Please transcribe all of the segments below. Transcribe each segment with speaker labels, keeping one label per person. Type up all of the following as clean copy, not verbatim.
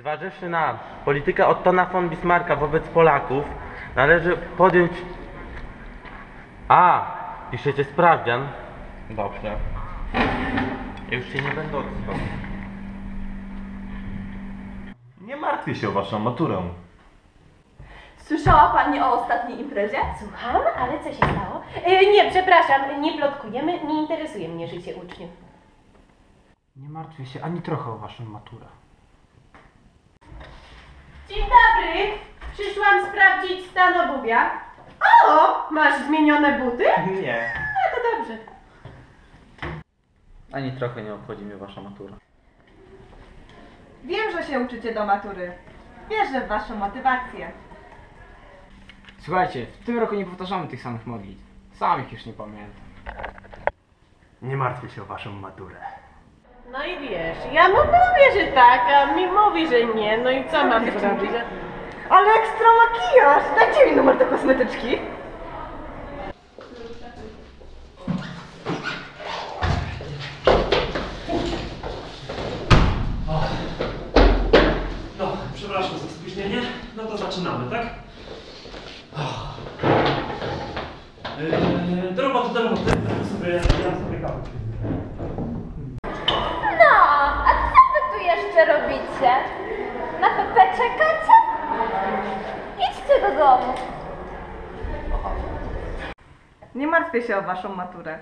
Speaker 1: Zważywszy na politykę Ottona von Bismarcka wobec Polaków, należy podjąć... Piszecie sprawdzian? Dobrze. Ja już się nie będę odzywał.
Speaker 2: Nie martwię się o waszą maturę.
Speaker 3: Słyszała pani o ostatniej imprezie?
Speaker 4: Słucham, ale co się stało? Nie, przepraszam, nie plotkujemy, nie interesuje mnie życie uczniów.
Speaker 5: Nie martwię się ani trochę o waszą maturę.
Speaker 4: Dzień dobry, przyszłam sprawdzić stan obuwia. O, masz zmienione buty?
Speaker 5: Nie.
Speaker 4: A, to dobrze.
Speaker 1: Ani trochę nie obchodzi mnie wasza matura.
Speaker 3: Wiem, że się uczycie do matury. Wierzę w waszą motywację.
Speaker 5: Słuchajcie, w tym roku nie powtarzamy tych samych modlitw. Sam ich już nie pamiętam. Nie martwię się o waszą maturę.
Speaker 4: No i wiesz, ja mu mówię, że tak, a mi mówi, że nie, no i co mam zrobić?
Speaker 3: Ale ekstra makijaż! Dajcie mi numer do kosmetyczki.
Speaker 6: No, przepraszam za spóźnienie. No to zaczynamy, tak? Do roboty, do roboty. Ja sobie kawę.
Speaker 7: No, a co wy tu jeszcze robicie? Na Pepe czekacie? Idźcie do domu.
Speaker 3: Nie martwię się o waszą maturę.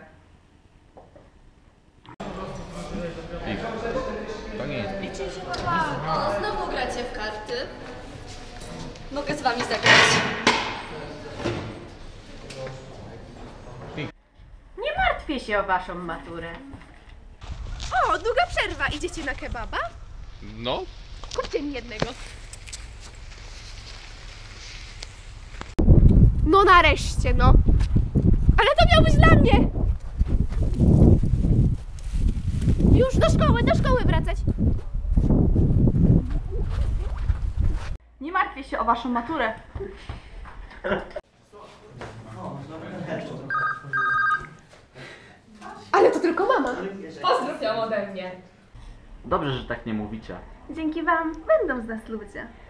Speaker 8: Wiecie, że chyba znowu gracie w karty? Mogę z wami zagrać.
Speaker 4: Nie martwię się o waszą maturę.
Speaker 9: O, długa przerwa. Idziecie na kebaba?
Speaker 10: No.
Speaker 9: Kupcie mi jednego. No nareszcie, no. Ale to miał być dla mnie. Już do szkoły wracać.
Speaker 3: Nie martwię się o waszą maturę.
Speaker 9: Ale to tylko mama. Pozdrów ją ode mnie.
Speaker 1: Dobrze, że tak nie mówicie.
Speaker 3: Dzięki wam będą z nas ludzie.